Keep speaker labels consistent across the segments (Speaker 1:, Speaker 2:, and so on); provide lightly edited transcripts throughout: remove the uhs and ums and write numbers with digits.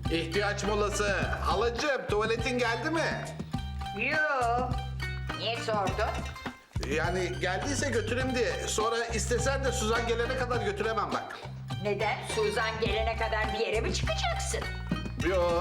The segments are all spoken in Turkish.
Speaker 1: İhtiyaç molası. Halacığım tuvaletin geldi mi?
Speaker 2: Yoo. Niye sordun?
Speaker 1: Yani geldiyse götüreyim diye. Sonra istesen de Suzan gelene kadar götüremem bak.
Speaker 2: Neden? Suzan gelene kadar bir yere mi çıkacaksın?
Speaker 1: Yo,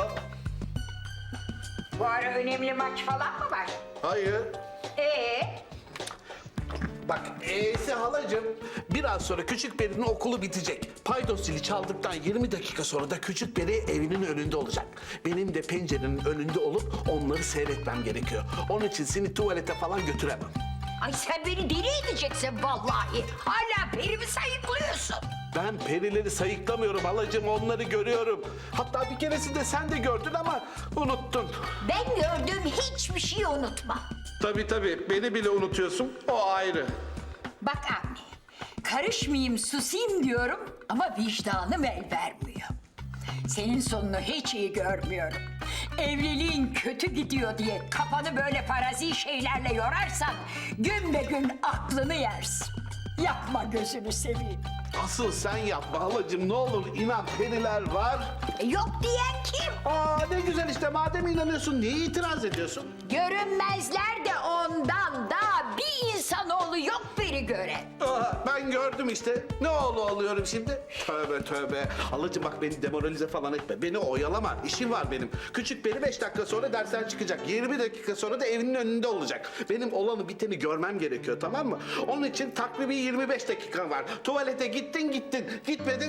Speaker 2: Bu ara önemli maç falan mı var?
Speaker 1: hayır.
Speaker 2: Ee,
Speaker 1: Bak halacığım biraz sonra Küçük Peri'nin okulu bitecek. Paydos zili çaldıktan 20 dakika sonra da Küçük Peri evinin önünde olacak. Benim de pencerenin önünde olup onları seyretmem gerekiyor. Onun için seni tuvalete falan götüremem.
Speaker 2: ay sen beni deli edeceksin vallahi. Hala perimi sayıklıyorsun.
Speaker 1: Ben perileri sayıklamıyorum halacığım, onları görüyorum. Hatta bir keresinde sen de gördün ama unuttun.
Speaker 2: Ben gördüğüm hiçbir şeyi unutma.
Speaker 1: Tabii, beni bile unutuyorsun, o ayrı.
Speaker 2: Bak anne, karışmayayım, susayım diyorum ama vicdanım el vermiyor. Senin sonunu hiç iyi görmüyorum. Evliliğin kötü gidiyor diye kafanı böyle farazi şeylerle yorarsan gün be gün aklını yersin. Yapma gözünü seveyim.
Speaker 1: Asıl sen yapma halacığım, ne olur inan, periler var.
Speaker 2: Yok diyen kim?
Speaker 1: Aa ne güzel işte, madem inanıyorsun niye itiraz ediyorsun?
Speaker 2: Görünmezler de ondan daha bir insanoğlu yok biri gören.
Speaker 1: Ben gördüm işte. Ne oğlu oluyorum şimdi? Tövbe. Halacığım bak beni demoralize falan etme. Beni oyalama. İşim var benim. Küçük Peri 5 dakika sonra dersten çıkacak. 20 dakika sonra da evinin önünde olacak. Benim olanı biteni görmem gerekiyor, tamam mı? Onun için takribi 25 dakika var. Tuvalete gittin. Gitmedin.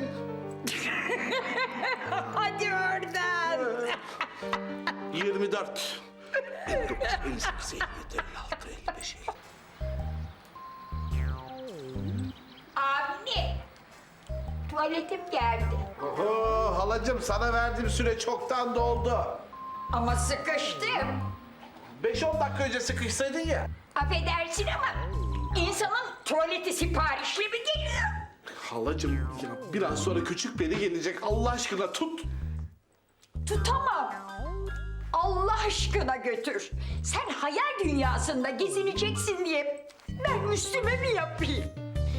Speaker 2: Hadi oradan.
Speaker 1: 24. 59, 58, 57, 56, 55.
Speaker 2: Anne, tuvaletim geldi.
Speaker 1: Oho halacığım, sana verdiğim süre çoktan doldu.
Speaker 2: Ama sıkıştım.
Speaker 1: 5-10 dakika önce sıkışsaydın ya.
Speaker 2: Affedersin ama insanın tuvaleti siparişli mi geliyor?
Speaker 1: Halacığım ya biraz sonra Küçük Peri gelecek, Allah aşkına tut.
Speaker 2: Tutamam. Allah aşkına götür. Sen hayal dünyasında gezineceksin diye ben üstüme mi yapayım?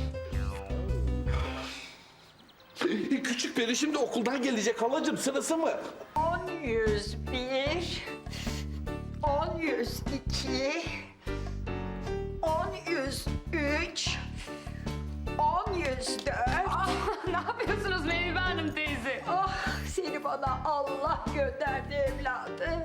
Speaker 1: Küçük Peri şimdi okuldan gelecek halacığım, sırası mı?
Speaker 2: 10-101, 10-102, 10-103, 10-104.
Speaker 3: Ne yapıyorsunuz Meyve Hanım teyze?
Speaker 2: Ah seni bana Allah gönderdi evladım.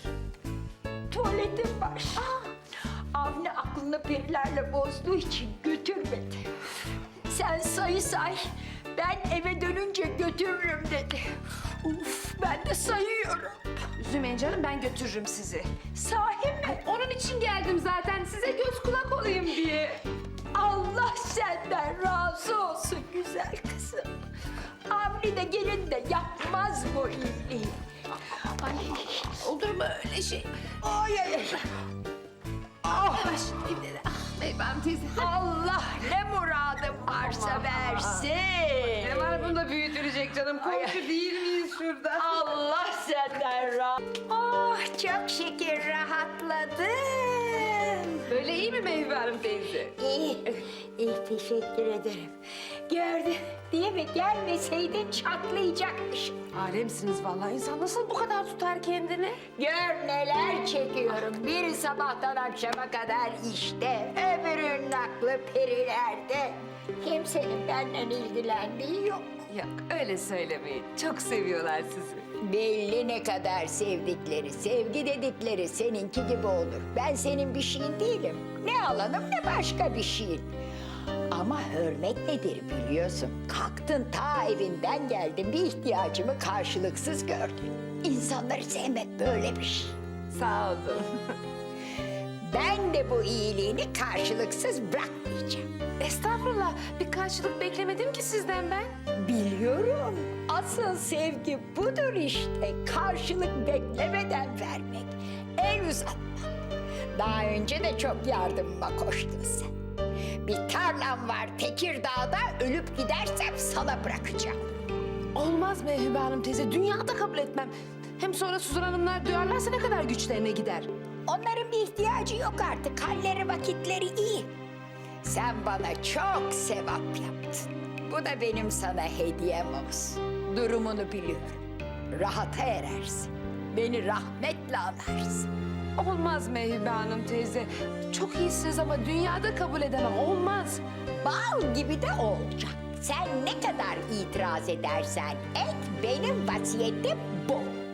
Speaker 2: Tuvaletim var. Avni aklını perilerle bozduğu için götürmedi. Sen say, ben eve dönünce götürürüm dedi. Uf, ben de sayıyorum.
Speaker 3: Üzülmeyin canım, ben götürürüm sizi.
Speaker 2: Sahi mi?
Speaker 3: Onun için geldim zaten, size göz kulak olayım diye.
Speaker 2: Allah senden razı olsun güzel kızım. Avni de gelin de yapmaz bu iyiliği. Ay,
Speaker 3: Olur mu öyle şey?
Speaker 2: ay, ay.
Speaker 3: Yavaş, şimdi. Meyve Hanım teyze.
Speaker 2: Allah ne muradım varsa versin.
Speaker 3: Ne var bunda büyütülecek canım? Komşu değil miyiz şurada?
Speaker 2: Allah senden razı. Oh çok şükür rahatladım.
Speaker 3: Böyle iyi mi Meyve Hanım teyze?
Speaker 2: İyi teşekkür ederim. Gördün değil mi? Gelmeseydin çatlayacakmış.
Speaker 3: Alemsiniz vallahi. İnsan nasıl bu kadar tutar kendini?
Speaker 2: Gör neler çekiyorum. Biri sabahtan akşama kadar işte, öbürünün aklı perilerde. Kimsenin benden ilgilendiği yok.
Speaker 3: Yok, öyle söylemeyin. Çok seviyorlar sizi.
Speaker 2: Belli ne kadar sevdikleri, sevgi dedikleri seninki gibi olur. Ben senin bir şeyin değilim. Ne alanım ne başka bir şeyin. Ama hürmet nedir biliyorsun. Kalktın ta evinden geldin, bir ihtiyacımı karşılıksız gördün. İnsanları sevmek böyle bir şey.
Speaker 3: Sağ olun.
Speaker 2: Ben de bu iyiliğini karşılıksız bırakmayacağım.
Speaker 3: Estağfurullah, bir karşılık beklemedim ki sizden ben.
Speaker 2: Biliyorum. Asıl sevgi budur işte. Karşılık beklemeden vermek. El uzatmak. Daha önce de çok yardımıma koştun sen. Bir tarlam var Tekirdağ'da, ölüp gidersem sana bırakacağım.
Speaker 3: Olmaz Meyve Hanım teyze, dünyada kabul etmem. Hem sonra Suzan Hanımlar duyarlarsa ne kadar güçlerine gider.
Speaker 2: Onların bir ihtiyacı yok artık. Halleri vakitleri iyi. Sen bana çok sevap yaptın. Bu da benim sana hediyem olsun. Durumunu biliyorum. rahata erersin. Beni rahmetle anarsın.
Speaker 3: Olmaz Meyve Hanım teyze. Çok iyisiniz ama dünyada kabul edemem. Olmaz.
Speaker 2: Bal gibi de olacak. Sen ne kadar itiraz edersen et, benim vasiyetim bu.